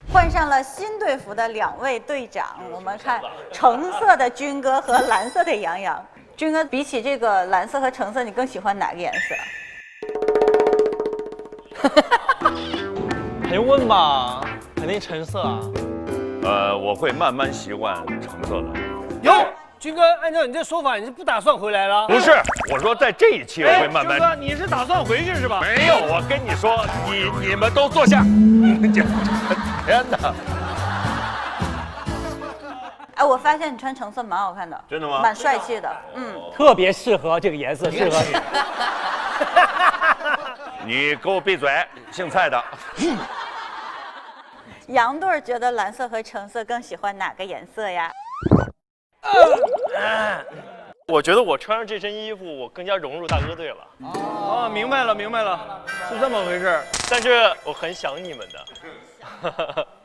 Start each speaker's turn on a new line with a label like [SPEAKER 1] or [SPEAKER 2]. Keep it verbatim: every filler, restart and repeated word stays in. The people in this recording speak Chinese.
[SPEAKER 1] 换上了新队服的两位队长，我们看橙色的军哥和蓝色的杨洋。军哥，比起这个蓝色和橙色，你更喜欢哪个颜色？
[SPEAKER 2] 还用问吗？肯定橙色啊。
[SPEAKER 3] 呃，我会慢慢习惯橙色的。
[SPEAKER 4] 哟，军哥，按照你这说法，你是不打算回来了？
[SPEAKER 3] 不是，我说在这一期我会慢慢。
[SPEAKER 4] 军哥，你是打算回去是吧？
[SPEAKER 3] 没有，我跟你说，你你们都坐下。天哪！
[SPEAKER 1] 哎，我发现你穿橙色蛮好看的，
[SPEAKER 3] 真的吗？
[SPEAKER 1] 蛮帅气的，嗯，
[SPEAKER 4] 特别适合这个颜色，适合
[SPEAKER 3] 你。你给我闭嘴，姓蔡的。
[SPEAKER 1] 杨队觉得蓝色和橙色更喜欢哪个颜色呀？
[SPEAKER 2] 我觉得我穿上这身衣服，我更加融入大哥队了。
[SPEAKER 4] 哦，明白了，明白了，是这么回事。
[SPEAKER 2] 但是我很想你们的。